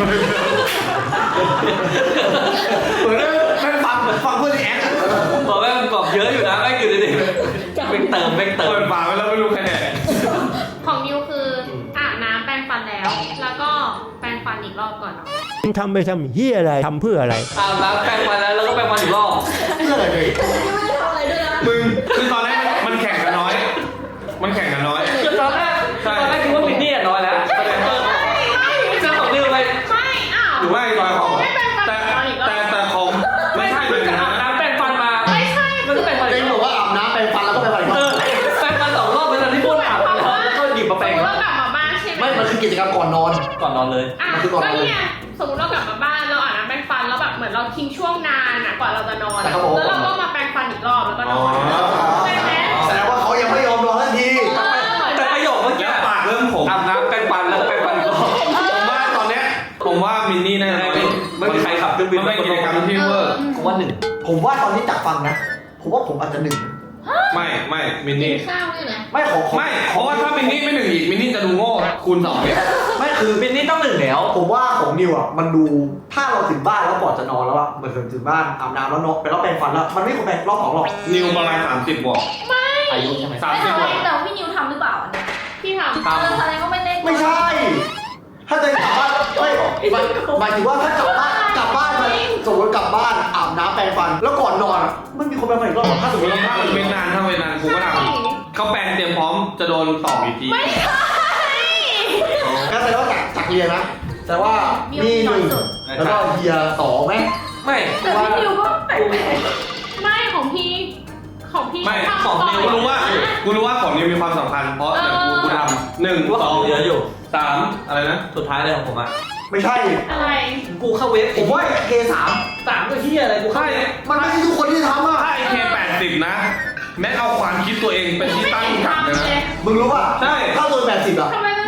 Speaker 2: เหมือนแม่งฟังเพื่อนแอ๊ก
Speaker 4: บอกว่ามันกรอบเยอะอยู่นะไม่อยู่ดีๆเติม
Speaker 1: เปิดฝาไว้แล้วไม่รู้ใครแดก
Speaker 3: ของนิวคืออาบน้ำแปรงฟันแล้ว แล้วก็แปรงฟันอีกรอบก่อนเนาะ
Speaker 8: ทำไปทำเฮียอะไร ทำเพื่ออะไร
Speaker 4: อาบน้ำแปรงฟันแล้วก็แปรงฟันอีกรอบ
Speaker 2: เพื่ออะไรเลย
Speaker 6: ยังไม่ได้ทำอะไรด้วยนะ
Speaker 1: มึงคือตอนแรกมันแข่งกันน้อย มันแข่งกันน้อย
Speaker 4: คือตอนแรกคิดว่ามินนี่น้อยแล้วเจ้าของนิวไป
Speaker 3: ไม่อ้าว
Speaker 1: หรือว่าไอ้ตอยของ
Speaker 3: ไม่แปรงฟัน
Speaker 1: แต่
Speaker 3: ก่อนอีกรอบ
Speaker 1: แต่ของไม่ใช่เหมือนกัน
Speaker 4: อาบ
Speaker 1: นะ
Speaker 4: น้ำแปรงฟันมา
Speaker 3: ไม่ใช่
Speaker 4: มันก็แปรงฟัน
Speaker 2: เจ๊
Speaker 4: อีกร
Speaker 2: บ
Speaker 4: อ
Speaker 2: อบ กว่าอาบน้ำแปรงฟันแล้วก็ไปฟันอีกรอบ
Speaker 4: แปรงฟัน2 รอบเป็นตอนที่พูดอาบแล้วก็หยิบมาแปรง
Speaker 3: สมมติเรากลับมาบ้านใช่ไหม
Speaker 2: ไม่มันคือกิจกรรมก่อนนอน
Speaker 4: ก่อนนอนเลย
Speaker 3: อ่ะ
Speaker 2: มันคือก่อนน
Speaker 3: ก็
Speaker 2: อน
Speaker 3: เนี่ยสมมติเรากลับมาบ้านเราอาบน้ำแปรงฟันแล้วแบบเหมือนเราทิ้งช่วงนานอ่ะกว่าเราจะนอน
Speaker 2: แต่เขาบอกว่า
Speaker 3: แล้วเราก็มาแปรงฟันอีกรอบแล้วก็นอนใช่ไหม
Speaker 2: แสดงว่าเขายังไม่ยอมนอนทันที
Speaker 4: แต่ประโยคเมื่อกี้
Speaker 1: แล้วปากเริ่มผม
Speaker 4: อาบน้ำแปรงฟันแล้วแปรงฟันอีกรอบ
Speaker 1: ผมว่าตอนเนี้ยผมว่ามินนี่แน่นอน
Speaker 4: ไม่มีใครขับเครื่องบิน
Speaker 1: มันเป็นกิจกรรมที่เวอร์
Speaker 4: กูว่า1
Speaker 2: ผมว่าตอนนี้จากฟังนะ ผมว่าผมอาจจะหนึ่ง
Speaker 1: ไม่มิน
Speaker 6: กิ
Speaker 1: นี่
Speaker 6: นข้าวเนี่ยนะ
Speaker 2: ไม่ของ
Speaker 1: ไม่เพราะว่าถ้ามินนี่ไม่หนึ่งอีกมินนี่จะดูโง่คูณ2เนี่ย
Speaker 2: ไม่คือ
Speaker 4: มินนี่ต้อง1แล้ว
Speaker 2: ผมว่าของนิวอ่ะมันดูถ้าเราถึงบ้านแล้วก่อนจะนอนแล้วอ่ะเหมือนถึงบ้านอาบน้ำแล้วนอนไปแล้วแปรงฟันแล้วมันไม่ควรแปรงรอบ2หรอก
Speaker 1: นิวประมาณ30บวก
Speaker 4: อายุใช่ไหม
Speaker 1: 30บวก
Speaker 7: แต่พี่นิวทำหรือเปล่าอันเนี้ย
Speaker 3: พี่ทำ
Speaker 7: แสดงว่าไม่ได้
Speaker 2: ไม่ใช่ ถ้าจะกลับบ้านไม่หมายถึงว่าถ้ากลับบ้านมาสมมติกลับบ้านอาบน้ำแปรงฟัน แล้วก่อนนอนอ่ะมันมีคนแปรงฟันอีกรอบถ้าสมมติเรา
Speaker 1: ถ้ามันเป็นนานถ้าเป็นนานกูก็ทำเขาแปลงเตรียมพร้อมจะโดนตอกอีกที
Speaker 3: ไม่ใช่
Speaker 2: ก็แสดงว่าจากเรียนนะแต่ว่ามีหนึ่งแล้วก็เฮีย2ไหม
Speaker 4: ไม่
Speaker 7: แต่พี่นิวก็แปลก
Speaker 3: ไม่ของพี่
Speaker 1: ไม่
Speaker 3: ทำ
Speaker 1: ของ
Speaker 3: ก่
Speaker 1: นิวกูรู้ว่าของนิวมีความสำคัญเพราะเดี๋ยวกูทำ1
Speaker 4: ว่าของเยอะอยู่
Speaker 1: 2 3อะไรนะ
Speaker 4: สุดท้ายเลยของผมอ่ะ
Speaker 2: ไม่ใช่
Speaker 3: อะไร
Speaker 4: กูเข้าเว็บ
Speaker 2: ผมว่าเค3
Speaker 4: 3ก็ที่อะไรกูเข้า
Speaker 2: มันไม่ใช่ทุกคนที่ทำอ่ะ
Speaker 1: ถ้าไอเค80นะแม็กเอาความคิดตัวเองเป็นที่ตั้ง
Speaker 3: ไม่
Speaker 1: กัน
Speaker 3: เห็น
Speaker 1: เลย
Speaker 3: ทำเลย
Speaker 1: นะ
Speaker 2: มึงรู้ป่ะ
Speaker 1: ใช่
Speaker 2: ถ้าตัว80อ่ะ
Speaker 3: ทำไมไม่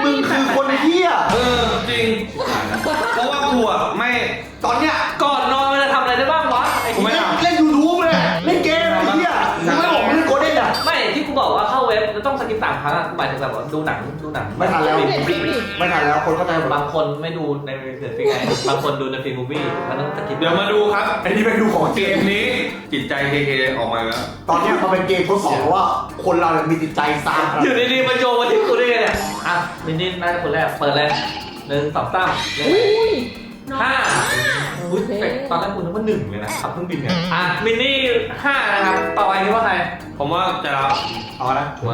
Speaker 2: มึงคือคนเหี้ย
Speaker 1: จริง เพราะว่ากูอ่ะไม่
Speaker 2: ตอนเนี้ย
Speaker 4: ก่อนนอนมันจะทำอะไรได้บ้างวะไอ้
Speaker 1: กูไม่
Speaker 4: เหี้ย
Speaker 1: ทำ
Speaker 2: เล่นยูทูบเลยเล่นเกมไอ้เหี้ยมึงไม่บอกมึงเล่นโกลเด้นอ่ะ
Speaker 4: ไม่ที่กูบอกว่าเข้าเว็บแล้วต้องสกิป3 ครั้งอะหมายถึงแบบว่าดูหนัง
Speaker 2: ไม่ทันแล้ว
Speaker 6: เด็ดพี่
Speaker 2: ไม่ทันแล้วคนเข้าใจหมด
Speaker 4: บางคนไม่ดูในเน็ตฟลิกซ์ไงบางคนดูในฟิล์มมูวี่มันต้องสกิป
Speaker 1: เดี๋ยวมาดูครับ
Speaker 2: ไอ้นี่เป็นดูของ
Speaker 1: เก
Speaker 2: เกม
Speaker 1: มนี้จิตใจเคออกมาแล้ว
Speaker 2: ตอนเนี้ยมันเป็นเกมทดสอบว่าคนเราเนี่ยมีจิตใจซาม
Speaker 4: อยู่ดีๆมาโยงมาที่กูได้ไงเนี่ยอ่ะมินนี่น่าจะคนแรกเปิดเลย1 2 3
Speaker 6: อุ้ย
Speaker 4: 5อุ้ยแต่ตอนแรกกูนึกว่า1เลยนะขับเครื่องบินเนี่ยอ่ะมินนี่5นะครับต่อไปคิดว่าใคร
Speaker 1: ผมว่าจะรับ
Speaker 2: เอาละ
Speaker 4: มา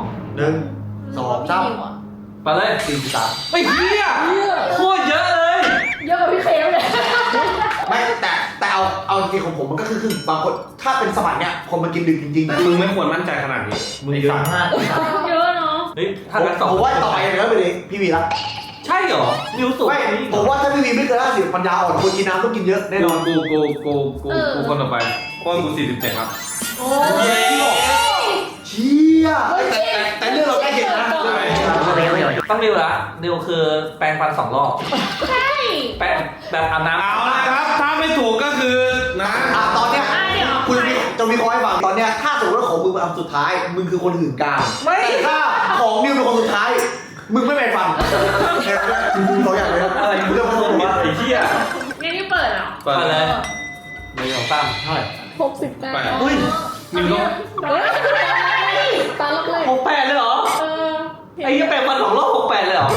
Speaker 2: 1 2 3
Speaker 4: ไปเลย43ไม่เหี้ยโคตรเยอะเลย
Speaker 7: เยอะกว่าพี่เคมเลย
Speaker 2: ไม่แต่เอาจริงของผมมันก็คือบางคนถ้าเป็นสมัยเนี้ยคนมากินดึกจริงๆ
Speaker 1: มึงไม่ควรมั่นใจขนาดนี้
Speaker 4: มึงเยอะมาก
Speaker 3: เยอะเนาะ
Speaker 4: เฮ้ยถ้างั้นสอง
Speaker 2: ผมว่าต่อไปอย่างนั้นไปเลยพี่วีละ
Speaker 4: ใช่เหรอมิวสุ
Speaker 2: ไม่ผมว่าถ้าพี่วีไม่เกิน50ปัญญาอ่อนคนกินน้ำต้องกินเยอะแน่นอน
Speaker 1: กูคนต่อไปเพราะว่ากู47ครับ
Speaker 3: โอ้
Speaker 4: เย้
Speaker 2: เชี่ยแต่เรื่องเราใกล้เคียงนะ
Speaker 4: ต้องดิวละดิวคือแปรงฟัน2 รอบ
Speaker 3: ใช่
Speaker 4: แปรงแบบอาบน้ำ
Speaker 1: เอาละครับ ถ้าไม่ถูกก็คือนะ
Speaker 2: ตอนเนี้ย
Speaker 3: เดี๋ยว
Speaker 2: คุณจะมีข้อให้ฟังตอนเนี้ยถ้าสมมติว่าของมึงเป็นอันสุดท้ายมึงคือคนหื่นกาม
Speaker 4: ไม่
Speaker 2: แต่ถ้าของนิวเป็นคนสุดท้ายมึงไม่แปรงฟันแค่นั้นคุณสองอย่างเลยนะ
Speaker 4: อะไร
Speaker 2: เรื่องของผมว่า
Speaker 4: ไอ้เหี้ย
Speaker 3: งั้นนี่เปิดเหรอ
Speaker 1: เปิด
Speaker 4: มา
Speaker 1: เล
Speaker 4: เลย ย1 2 3เท่าไหร่
Speaker 6: 69
Speaker 1: ไป
Speaker 2: อุ้ย
Speaker 1: มึงต้อง
Speaker 6: เฮ้ยตาลักเลย
Speaker 4: 68เลยเหรอ
Speaker 3: เออ
Speaker 4: ไอ้เหี้ยแปรงฟัน2 รอบ68เลยเหรอ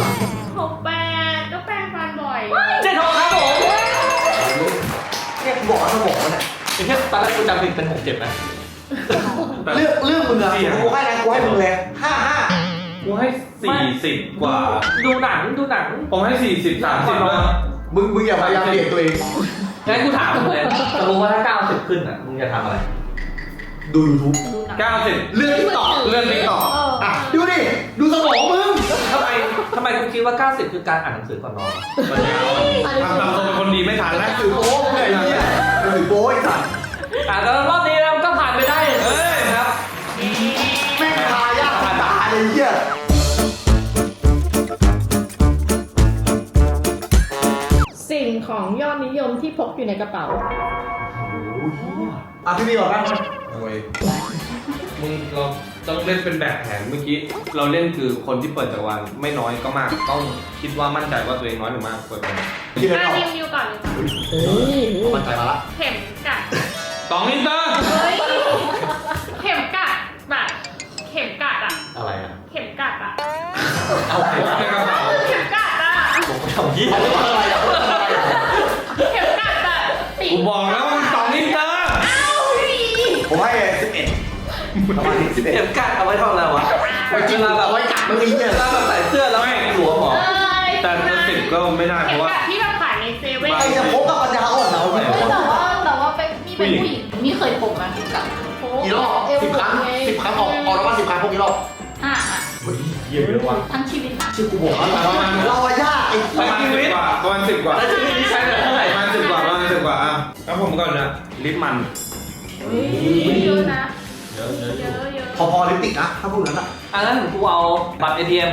Speaker 3: 68ก็แปรงฟันบ่อย
Speaker 4: เจ๊ทองครับผม
Speaker 2: เนี่ยกูบอกว่าสมองเนี่ย
Speaker 4: ไอ้เหี้ยตอนแรกกูจำผิดเป็น67นะ
Speaker 2: เรื่องมึงอะกูให้นะกูให้มึงเลย55
Speaker 1: กูให้40 กว่า
Speaker 4: ดูหนัง
Speaker 1: ผมให้40 30ด้วย
Speaker 2: มึงอย่าพยายามเปลี่ยนตัวเอง
Speaker 4: งั้นกูถามมึงเลยจะรู้ว่าถ้า90ขึ้นอ่ะมึงจะทำอะไร
Speaker 2: ดู YouTube
Speaker 1: 90
Speaker 2: เรื่องติ๊กต็อก
Speaker 1: เลื่อนติ๊กต็อก
Speaker 2: อ่ะดูดิดูสมองมึง
Speaker 4: ทำไมกูคิดว่า90คือการอ่านหนังสือก่อนนอน
Speaker 1: มันยาวทำตามตัวเป็นคนดีไม่ทันแล้ว
Speaker 2: ถือโป๊ะไงเนี่ยถือโป๊ะไอ้สัตว์
Speaker 4: แต่รอบนี้เราก็ผ่านไปได้
Speaker 1: เอ้ย
Speaker 4: ครับ
Speaker 2: แม่งพายากตาเลยเหี้ย
Speaker 6: สิ่งของยอดนิยมที่พกอยู่ในกระเป๋า
Speaker 2: อ่ะพี่มีบอกบ้าง
Speaker 1: โอ้ยมึงเราต้องเล่นเป็นแบบแผนเมื่อกี้ เราเล่นคือคนที่เปิดจักรวาลไม่น้อยก็มาก ต้องคิดว่ามั่นใจว่าตัวเองน้อยหรือมากเปิดไป
Speaker 2: คิดอะไรออก
Speaker 3: นิวก่อนเลยค่ะ
Speaker 6: เฮ้ย
Speaker 2: มั่นใจมาละ
Speaker 3: เข็มกัด
Speaker 1: 2 ลิตร
Speaker 3: เฮ้ย เข็มกัดแบบเข็มกัดอะ
Speaker 4: อะไรอ่ะ
Speaker 3: เข็มกัดอะ
Speaker 4: เอาไป
Speaker 1: ในกระเป๋า
Speaker 3: เข็มกัดอะ
Speaker 4: ผมทำยี่
Speaker 2: อะไรอ่ะ
Speaker 3: เข็มกัดแบบติด
Speaker 1: กูบอกแล้วว่ามัน2 ลิตร
Speaker 2: ผมให้11ประมาณนี้
Speaker 4: เข็มกัดเอาไว้ทำอะไรวะ
Speaker 2: ไปกินมาแบบไว้กัดเมื่อกี้เนี่ย
Speaker 4: เวลาแบบใส่เสื้อแล้วไม่หลวมหรอ
Speaker 1: แต่จะ10ก็ไม่ได้เพ
Speaker 3: เข็ม
Speaker 1: ราะว่า
Speaker 3: กัดที่แบบขายในเซเว่น
Speaker 2: ไอ้จะพกกับปัญญาอ่อนเหรอ
Speaker 7: แต่ว่าเป็นมีเป็นผู้หญิงมีเคยผมไหมกับ
Speaker 2: กี่รอบ10 ครั้ง10 ครั้งออกแล้วว่า10 ครั้งพวกกี่รอบ
Speaker 7: อ่ะ
Speaker 4: เยี่ยมเลยว่ะ
Speaker 7: ทั้งชีวิตนะ
Speaker 2: ชื่อกูบอกแล้วเราอะยากไอ้
Speaker 1: ประมาณ10 กว่าประมาณ10 กว่า
Speaker 4: แล้วชีวิตนี้ใช้เท่าไหร่
Speaker 1: ประมาณ10 กว่าประมาณ10 กว่าอ่ะแล้วผมก่อนนะลิปมัน
Speaker 3: เยอะนะ
Speaker 1: เยอะ
Speaker 3: เยอะเยอะ
Speaker 2: พอลิปติกนะถ้าพวกนั้นอะ
Speaker 4: อันนั้นกูเอาบัตร ATM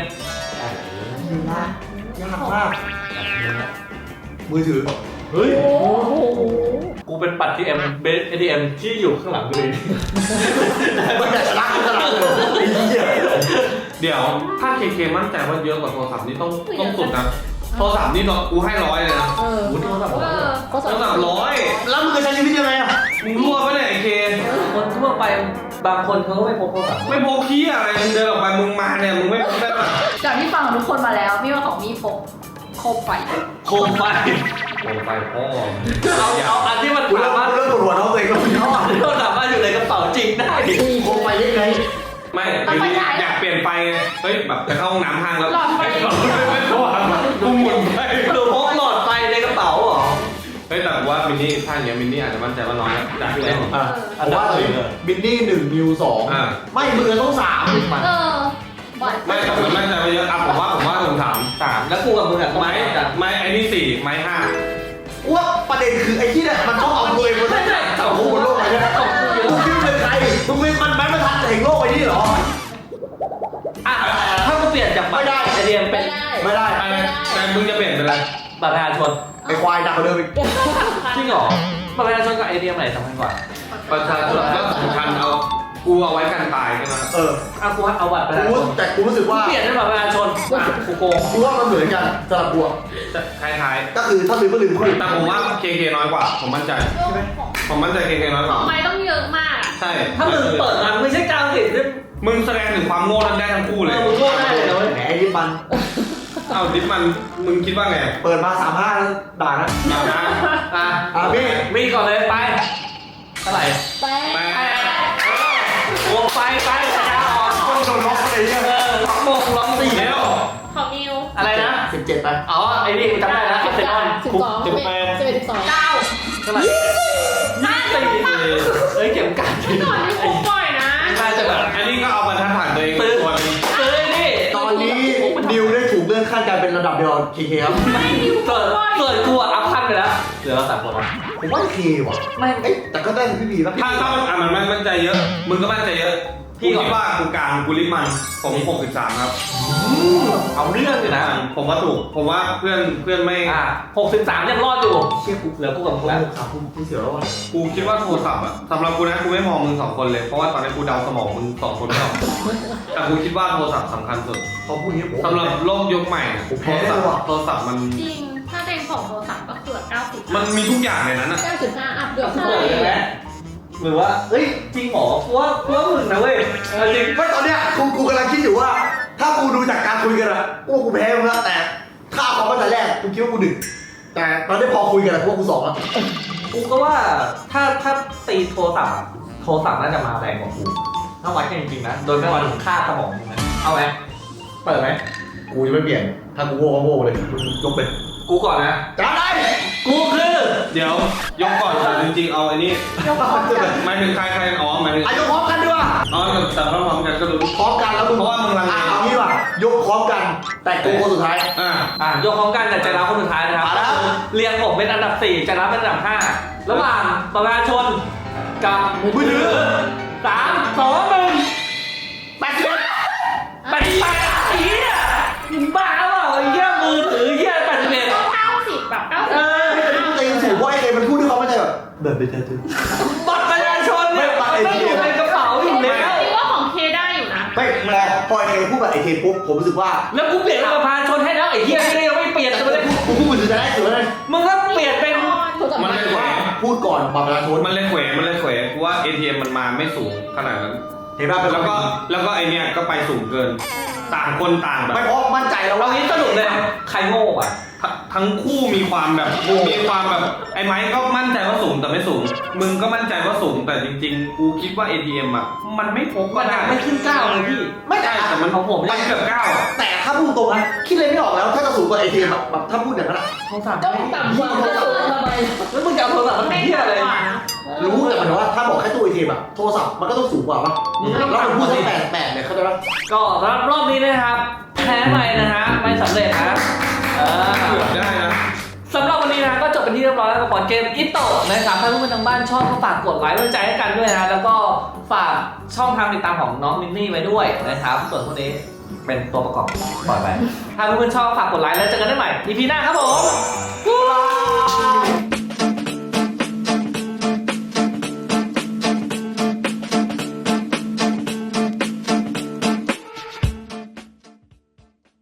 Speaker 2: ยากมากมือถือ
Speaker 4: เฮ้ย
Speaker 6: โอ้โห
Speaker 4: กูเป็นบัตร ATM ที่อยู่ข้างหลังกูเลย
Speaker 2: มันจะชนะขนาดเลยไอ้เหี้ย
Speaker 1: เดี๋ยวถ้าเคมั่นใจว่าเยอะกว่าโทรศัพท์นี่ต้องสุดนะโทรศัพท์นี่กูให้100เลยนะ
Speaker 6: เออ
Speaker 4: กูโทรศัพท์
Speaker 6: เขา
Speaker 1: โท
Speaker 6: สอ
Speaker 1: ร
Speaker 6: น
Speaker 1: ศัพท์100
Speaker 2: แล้วมึงจะใช้ชีวิตยังไงอะ
Speaker 1: มึงรั่วปะเนี่ยไอ้เค
Speaker 4: คนทั่วไปบางคนเขาก็ไม่พกโทรศัพท์
Speaker 1: ไม่พกขี้อะไรมึงเดินออกไปมึงมาเนี่ยมึงไม่ได้แบบ
Speaker 7: จากที่ฟังของทุกคนมาแล้วมีว่าของมีพกโคมไฟ
Speaker 4: โคมไฟ
Speaker 1: โอ้ไปพ่อ
Speaker 4: เอาอันที่มัน
Speaker 2: กูเริ่
Speaker 4: สามารถ
Speaker 2: ปวดหัวน้องตัวเองแล้วมึง
Speaker 4: เอาอันที่มันสามารถอยู่ในกระเป๋าจริงได้
Speaker 2: โคมไปยังไง
Speaker 1: ไม่คืออยากเปลี่ยนไปไงเฮ้ยแบบไปเข้าห้องน้ำห้างแล้ว
Speaker 3: หลอดไฟ
Speaker 1: ไม่พอกูหมุนไป
Speaker 4: หรือพกหลอดไฟในกระเป๋าเหรอ
Speaker 1: เฮ้ยแต่ว่ามินนี่ท่าอย่างเงี้ยมินนี่อาจจะมั่นใจว่าน้อยนะจากที่เล่น
Speaker 2: อ่ะผมว่าบินนี่1นิว2ไม่มือต้อง3มัน
Speaker 7: เออบ่อย
Speaker 1: ไม่แต่ผมมั่นใจว่าเยอะอ่ะผมว่าผมถาม
Speaker 4: 3แล้วกูกับมึงอ่ะ
Speaker 1: ไม้ไอ้นี่4ไม้5
Speaker 2: ว่าประเด็นคือไอ้ที่เนี่ยมันชอบเอาตัวเองมาสังคมบนโลกไปเนี่ยมึงคิดเป็นใครมึงเป็นมันแม้มาทันแห่งโลกไอ้นี่เหรอ
Speaker 4: อ่ะถ้ากูเปลี่ยนจากบัตร
Speaker 2: ไม่ได้
Speaker 4: ATM เป็
Speaker 6: ไม่
Speaker 4: น
Speaker 6: ได้
Speaker 2: ไม่ได้
Speaker 1: อะไรแต่มึงจะเปลี่ยนเป็นอะไร
Speaker 4: บัตรประชาชน
Speaker 2: ไอ้ควายดักกว่าเดิมอีก
Speaker 4: จริงเหรอบัตรประชาชนกับ ATM ไหนสำคัญกว่า
Speaker 1: ประชาชนก็สำคัญเอากูเอาไว้กันตายใช่ไหม
Speaker 4: เอากูเอาบัตรประชาชน
Speaker 2: แต่กูรู้สึกว่า
Speaker 4: เปลี่ยนเป็นบัตรประชาชนกูโกง
Speaker 2: กูว่ามันเหมือนกันสำหรับกูอะ
Speaker 1: คล้าย
Speaker 2: ก็คือถ้าลืมก็ลืมคู่
Speaker 1: ๆแต่ผมว่าเคน้อยกว่า ผมมั่นใจ ผมมั่นใจเคน้อยกว่า
Speaker 3: ทำไมต้องเยอะมากอะ
Speaker 1: ใช่
Speaker 4: ถ้ามึงเปิดมาไม่ใช่กาวติดด้วย
Speaker 1: มึงแสดงถึงความโง่นั้นได้ทั้งคู่เลย
Speaker 4: มึงโง่ได้เลยนะเว้ย
Speaker 2: แหมไอ้ยิบมัน
Speaker 1: เอาดิฟมันมึงคิดว่าไง
Speaker 2: เปิดมา35แล้วด่านะ
Speaker 1: เอานะ
Speaker 4: อ่ะ
Speaker 2: พี่
Speaker 4: มีก่อนเลยไปเท่าไหร่
Speaker 6: แป
Speaker 1: แป
Speaker 4: โอ้ไปสัญญาออก
Speaker 2: ต้องโดนล็อกอะไรเนี่ย
Speaker 4: ล็อกโมงล็อกสี่
Speaker 1: เดี๋ยว
Speaker 3: ของมิว
Speaker 4: อะไรนะ
Speaker 2: 17ไป
Speaker 4: อ๋อไอ้นี่กูจำได้แล้วเซนอน
Speaker 6: 12 11 12
Speaker 3: เก้า
Speaker 4: เท่าไหร่เอ้ยเก็บกัน
Speaker 3: ก่อนที่คุกบ่อยนะ
Speaker 4: น่าจะแบบ
Speaker 1: อันนี้ก็เอาบรรทัดฐานตัวเอง
Speaker 4: ตื้อ
Speaker 1: ตัวนึง
Speaker 4: เอ้ยนี่
Speaker 2: ตอนนี้นิวได้ถูกเลื่อนขั้นการเป็นระดับเดียวกับเคครับ
Speaker 3: ไม่มิว
Speaker 4: เกิดกูอัพขั้นไปแล้วเหลือเรา3 คนแล้ว
Speaker 2: ผมว่าเคว่ะ
Speaker 4: ไม่
Speaker 2: เอ้ยแต่ก็ได้พี่บีแล้ว
Speaker 1: ถ้ามันมั่นใจเยอะ มึงก็มั่นใจเยอะ
Speaker 4: พี่
Speaker 1: กู
Speaker 4: ก่อน
Speaker 1: คิดว่ากูกลางกูลิมันผม63ครับ
Speaker 4: เอาเรื่องอยู่นะ
Speaker 1: ผมว่าถูก ผมว่าเพื่อนไม่
Speaker 4: 63ยังรอดอยู่
Speaker 2: เชี่ยกู
Speaker 4: เหลือกูกับมึง
Speaker 2: ผม
Speaker 4: แล้ว
Speaker 2: ครับกูเสียวแล้วว่ะ
Speaker 1: กูคิดว่าโทรศัพท์อะสำหรับกูนะกูไม่มองมึง2คนเลย เพราะว่าตอนนี้กูเดาสมองมึง2คนไม่ออกแต่กูคิดว่าโทรศัพท์สำคัญสุด
Speaker 2: เขาพูดอย่างนี้ผม
Speaker 1: สำหรับโลกยุคใหม่อะ
Speaker 2: ผมแพ้เลยว่ะ
Speaker 1: โทรศัพท์มัน
Speaker 3: จริง ถ้าเต็งของโทรศัพท์ก็คือ90
Speaker 1: มันมีทุกอย่างในนั้นอะ
Speaker 6: 95 อัพเดือด
Speaker 4: เปิดเลยไหมหรือว่าเอ้ยจริงเหรอกูว่ามึงนะเว้ยจริง
Speaker 2: ไม่ตอนเนี้ยกูกำลังคิดอยู่ว่า ถ้ากูดูจากการคุยกันอะกูว่ากูแพ้มึงแล้วแต่ถ้าเอาความตั้งแต่แรกกูคิดว่ากูดึกแต่ตอนนี้พอคุยกันอะกูว่ากู2แล้ว
Speaker 4: กูก็ว่าถ้าตีโทรศัพท์อะโทรศัพท์น่าจะมาแรงกว่ากูถ้าวัดกันจริงๆนะโดยไม่วัดถึงค่าสมองมึงนะเอาไหมเปิดไหม
Speaker 2: กูจะไม่เปลี่ยนถ้ากูโง่ก็โง่เลยมึงยกเป็น
Speaker 4: กูก่อนนะ
Speaker 2: จ้าได้
Speaker 4: กูคือ
Speaker 1: เดี๋ยวยกก่อนแต่จริงๆเอาไอ้นี่หมายถึงใครอ๋อหมายถึง
Speaker 2: อายกพร้อมกันดีกว่า
Speaker 1: อ๋อแต่พร้อมกันก็รู้
Speaker 2: พร้อมกันแล้วมึง
Speaker 1: เพราะว่ามึงลังเล
Speaker 2: เอางี้ว่ะยกพร้อมกัน แต่กูคนสุดท้าย
Speaker 4: ยกพร้อมกันแต่ใจร้าวคนสุดท้ายนะครับ
Speaker 2: มาแล้ว
Speaker 4: เรียงผมเป็นอันดับ4ใจร้าวเป็นอันดับ5ระหว่างประชาชนกับ
Speaker 2: มือถือ
Speaker 4: 3 2 1
Speaker 2: แปดสิบ
Speaker 4: ไปไอ้เหี้ยมึงบ้าเปล่าไอ้เหี้ยมือถือเหี้ย81
Speaker 3: 90แบบ90
Speaker 4: เออ
Speaker 2: ไม่เป็นเต็งสูงเพราะไอ้เต็งมันพูดด้วยความมั่นใจแบบแบบเป็นเธอ
Speaker 4: บัตรประชาชนเนี่ย
Speaker 2: ไม่
Speaker 4: มันอยู่ในกระเป๋าอยู่แล้ว
Speaker 3: คิดว่าของเคได้อยู่นะ
Speaker 2: ไม่พอไอ้เต็งพูดแบบไอ้เต็งปุ๊บผมรู้สึกว่า
Speaker 4: แล้วกูเปลี่ยนเป็นประชาชนให้แล้วไอ้เหี้ยนี่ยังไม่เปลี่ยน
Speaker 2: แต่
Speaker 4: เลย
Speaker 2: กูพูดมือถือจะได้สุดเลย
Speaker 4: มึงก็เปลี่ยนเป็น
Speaker 6: โทรศัพท์
Speaker 1: มัน
Speaker 6: มา
Speaker 1: เลยแขว
Speaker 2: พูดก่อนบัตรประชาชน
Speaker 1: มันเลยแขวกูว่า ATM มันมาไม่สูงขนาดนั้น
Speaker 2: เห็นป่ะ
Speaker 1: แล้วก็ไอเนี้ยก็ไปสูงเกิน ต่างคนต่างแบบ
Speaker 2: ไม่เพราะมั่นใจแล้ว
Speaker 4: เรา
Speaker 2: ว่า
Speaker 4: งี้สรุปเลยใครโง่อ่ะ
Speaker 1: ทั้งคู่มีความแบบไอ้ไม้ก็มั่นใจว่าสูงแต่ไม่สูง มึงก็มั่นใจว่าสูงแต่จริงๆ กูคิดว่า ATM อ่ะมันไม่พก
Speaker 4: มั
Speaker 1: ก็
Speaker 4: น
Speaker 1: ได้
Speaker 4: ไม่ขึ้น9เลยพี่
Speaker 2: ไม่แต่
Speaker 1: ใช่แต่มัน
Speaker 4: ของผม
Speaker 1: มันเกือบ9อะ
Speaker 2: แต่ถ้าพูดตรงนะคิดเลยไม่ออกแล้วถ้าจะสูงกว่าไอเต็งแบบถ้าพูดอย่างนั้นอะ
Speaker 4: โทรศัพท์
Speaker 6: ก็ต่ำกว่าก็สูงทำไม
Speaker 4: แล้วมึงจะเอาโทรศัพท์มาทำเหี้ยอะไร
Speaker 3: กว่านะ
Speaker 2: รู้แต่หมายถึงว่าถ้าบอกแค่ตู้ไอเต็มอะโทรศัพท์มันก็ต้องสูงกว่าป่ะแล้วมันพูดแค่แปดเนี่ยเข้าใจป่ะ
Speaker 4: ก็สำหรับรอบนี้นะครับแพ้ไปนะฮะไม่สำเร็จนะเออ
Speaker 1: เกือบได้นะ
Speaker 4: สำหรับวันนี้นะก็จบเป็นที่เรียบร้อยแล้วกับบอร์ดเกมอิโตะนะครับถ้าเพื่อนๆทางบ้านชอบก็ฝากกดไลค์กำลังใจให้กันด้วยนะแล้วก็ฝากช่องทางติดตามของน้องมินนี่ไว้ด้วยนะครับส่วนพวกนี้เป็นตัวประกอบปล่อยไปถ้าเพื่อนๆชอบฝากกดไลค์แล้วเจอกันได้ใหม่ EP หน้าครับผม